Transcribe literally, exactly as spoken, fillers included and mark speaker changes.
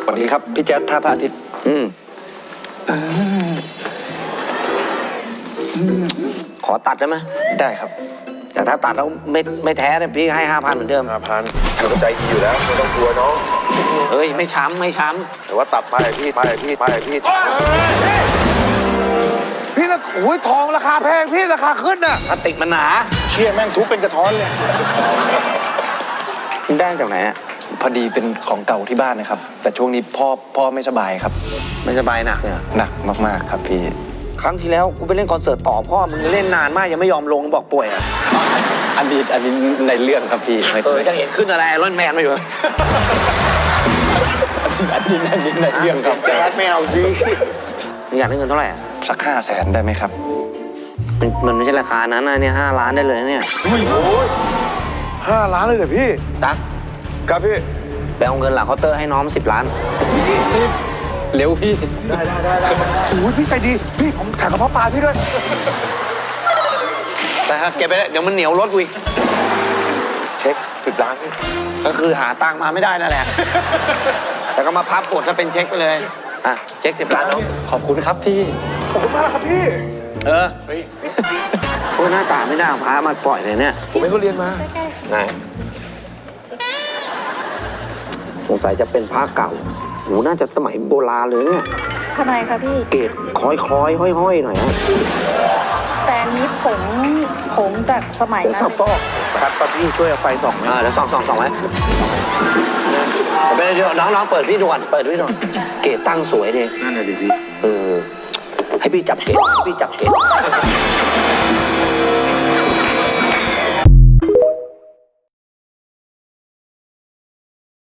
Speaker 1: สวัสดีครับพี่แจ๊ดท่าพระอาทิตย์อืมขอตัดได้ไหมได้ครับแต่ถ้าตัดแล้วไม่ไม่แท้เนี่ยพี่ให้ห้าพันเหมือนเดิม
Speaker 2: ห้าพันเราก็ใจดีอยู่แล้วไม่ต้องกลัวน้อง
Speaker 1: เฮ้ยไม่ช้ำไม่ช้
Speaker 2: แต่ว่าตัดไปพี่ไปพี่ไปพี่
Speaker 3: พี่นะโอ้ยทองราคาแพงพี่ราคาขึ้นน่ะ
Speaker 1: ำพลาสติกมันหนา
Speaker 2: เชี่ยแม่งทุบเป็นกระท้อนเลย
Speaker 1: มันได้จากไหนอ่ะ
Speaker 4: พอดีเป็นของเก่าที่บ้านนะครับ แต่ช่วงนี้พ่อพ่อไม่สบายครับ
Speaker 1: ไม่สบายหนักเนี่ย
Speaker 4: หนักมากๆครับพี่
Speaker 1: ครั้งที่แล้วกูไปเล่นคอนเสิร์ตต่อพ่อมึงเล่นนานมากยังไม่ยอมลงบอกป่วยอ่ะ
Speaker 4: อันนี้อันนี้ในเรื่องครับพี่ไม่
Speaker 1: เออจะเห็นขึ้นอะไรรอนแมนมาอยู่
Speaker 4: อันนี้อันนี้ในเรื่องครับ
Speaker 2: แจ๊ดไม่เอาสิ
Speaker 1: มึงอยากได้เงินเท่าไหร่อ่ะ
Speaker 4: สักห้าแสนได้ไหมครับ
Speaker 1: มันมันไม่ใช่ราคานั้นนะเนี่ยห้าล้านได้เลยนะเนี่ย
Speaker 3: ห้าล้านเลยเหรอพี่
Speaker 1: ตั๊ก
Speaker 3: ครับพี่
Speaker 1: ไปเอาเงินหลังเคาน์เตอร์ให้น้องสิบล้าน
Speaker 4: เร็วพี่
Speaker 3: ได้ได้ได้ได้โอ้ยพี่ใจดีพี่ผมถ่ายกระเพาะปลาพี่ด้วย
Speaker 1: แต่ถ้าเก็บไปเลยเดี๋ยวมันเหนียวรถกูอีก
Speaker 3: เช็คสิบล้าน
Speaker 1: ก็คือหาตังค์มาไม่ได้นั่นแหละ แต่ก็มาพับกดแล้วเป็นเช็คไปเลย อ่ะ เช็คสิบล้านน้อง
Speaker 4: ขอบคุณครับพี่
Speaker 3: ขอบคุณมากครับพี่
Speaker 1: เออพวกหน้าตาไม่น่าเอาพามาปล่อยเลยเนี่ย
Speaker 3: ผมไม่เขาเรียนมา
Speaker 1: ไหนสงสัยจะเป็นผ้าเก่าโหน่าจะสมัยโบราณเลยเนี่ย
Speaker 5: ทำไมคะพี่
Speaker 1: เกรดคล้อยคล้อยห้อยห้อยๆหน่อยฮะ
Speaker 5: แต่อันนี้ผงผงจากสมัย
Speaker 1: ผม
Speaker 5: นั้น
Speaker 1: สับฟอก
Speaker 3: ครับป้าพี่ช่วยเอาไฟส่องไหม
Speaker 1: อ่าเดี๋ยวส่องส่องส่องไว้เดี๋ยวน้องน้องเปิดพี่ด่วนเปิดพี่ด่วนเกรดตั้งสวยดี
Speaker 3: นั่นแหละดิพี่
Speaker 1: เออ ให้พี่จับเกรดให้พี่จับเกรด